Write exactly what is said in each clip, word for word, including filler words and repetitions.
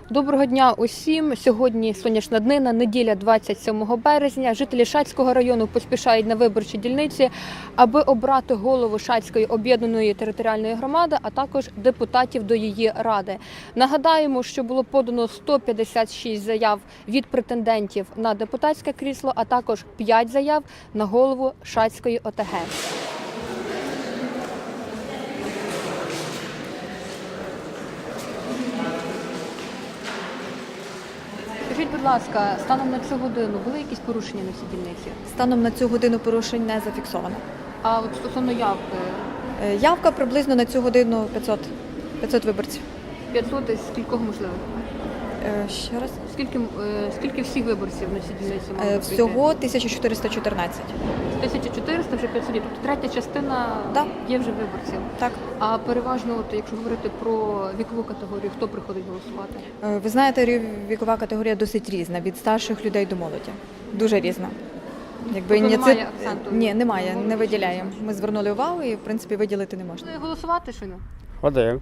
Доброго дня усім! Сьогодні сонячна днина, неділя двадцять сьомого березня. Жителі Шацького району поспішають на виборчі дільниці, аби обрати голову Шацької об'єднаної територіальної громади, а також депутатів до її ради. Нагадаємо, що було подано сто п'ятдесят шість заяв від претендентів на депутатське крісло, а також п'ять заяв на голову Шацької ОТГ. Скажіть, будь ласка, станом на цю годину були якісь порушення на цій дільниці? Станом на цю годину порушень не зафіксовано. А от стосовно явки? Е, Явка приблизно на цю годину п'ятсот, п'ятсот виборців. п'ятсот із скількох можливо? Е, Ще раз. Скільки, е, скільки всіх виборців на цій дільниці мало Е, прийти? Всього тисяча чотириста чотирнадцять. тисяча чотириста, вже п'ятсот. Тобто третя частина Да. є вже виборців. Так. А переважно, от, якщо говорити про вікову категорію, хто приходить голосувати? Е, Ви знаєте, рів- вікова категорія досить різна, від старших людей до молоді. Дуже різна. Якби Тобто ні, немає акценту? Ні, немає, Молоді не чи виділяємо. старші? Ми звернули увагу і, в принципі, виділити не можна. Ви голосувати щойно? Ходив.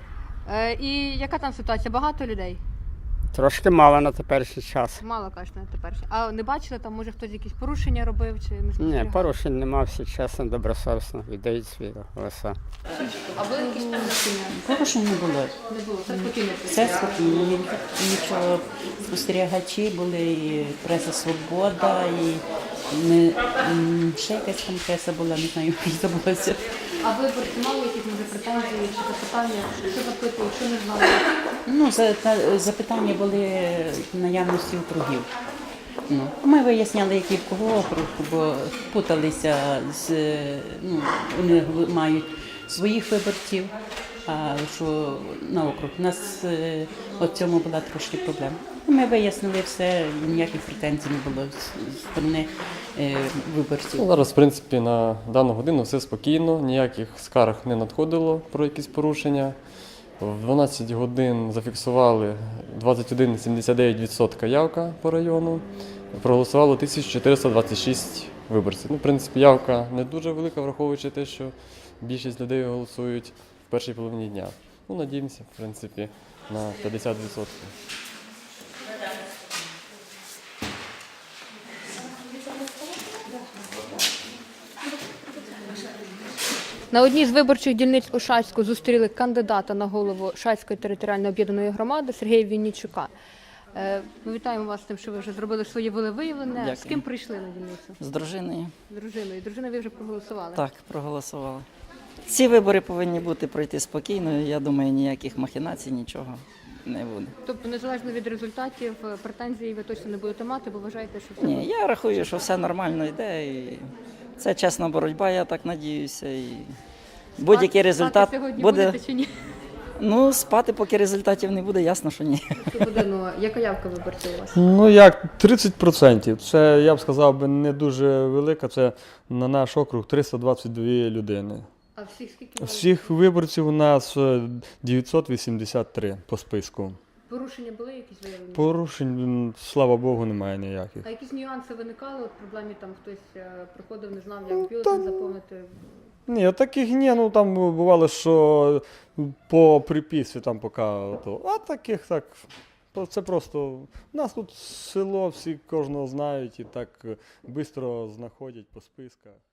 Е, і яка там ситуація? Багато людей? Трошки мало на теперішній час. Мало, кажуть, на тепер. А не бачили, там може хтось якісь порушення робив чи не Ні, спостерігали? порушень нема, всі чесно, добросовісно віддають свої голоса. А були якісь порушення? Порушень не було. Не було, все спокійно. Все спокійно, ні- нічого. Спостерігачі були, і преса Свобода, і не, м, ще якась там преса була, не знаю, як забулося. А виборці мали якісь може претензії чи запитання, що запитують, що не знали? Ну, за, та- запитання були наявності округів. Ну, ми виясняли, який в кого округ, бо путалися з, ну, вони мають своїх виборців, а що на округ. У нас е, от цьому була трошки проблема. Ми вияснили все, ніяких претензій не було з, з сторони е, виборців. Ну, зараз, в принципі, на дану годину все спокійно, ніяких скарг не надходило про якісь порушення. В дванадцять годин зафіксували двадцять один цілих сімдесят дев'ять відсотка явка по району. Проголосувало тисяча чотириста двадцять шість виборців. Ну, в принципі, явка не дуже велика, враховуючи те, що більшість людей голосують в першій половині дня. Ну, надіємося, в принципі, на п'ятдесят відсотків. На одній з виборчих дільниць у Шацьку зустріли кандидата на голову Шацької територіальної об'єднаної громади Сергія Віннічука. Е, Ми вітаємо вас з тим, що ви вже зробили своє волевиявлення. Дякую. З ким прийшли на дільницю? З дружиною. З дружиною. Дружина, ви вже проголосували? Так, проголосували. Ці вибори повинні бути пройти спокійно. Я думаю, ніяких махінацій, нічого не буде. Тобто, незалежно від результатів, е, претензій ви точно не будете мати, бо вважаєте, що все Ні, я рахую, що все нормально йде. І це чесна боротьба, я так надіюся. І будь-який Спати результат сьогодні буде. будете чи ні? Ну, спати, поки результатів не буде, ясно, що ні. Цю годину. Яка явка виборців у вас? Ну як тридцять відсотків. Це, я б сказав, би не дуже велика. Це на наш округ триста двадцять дві людини. А всіх скільки? мали? Всіх виборців у нас е, дев'ятсот вісімдесят три по списку. Порушення були якісь виявлені? Порушень, м, слава Богу, немає ніяких. А якісь нюанси виникали? От в проблемі там хтось е, приходив, не знав, як бюлетень заповнити? Ні, таких ні, ну там бувало, що по приписці там поки, то, а таких так. то Це просто, у нас тут село, всі кожного знають і так швидко знаходять по списках.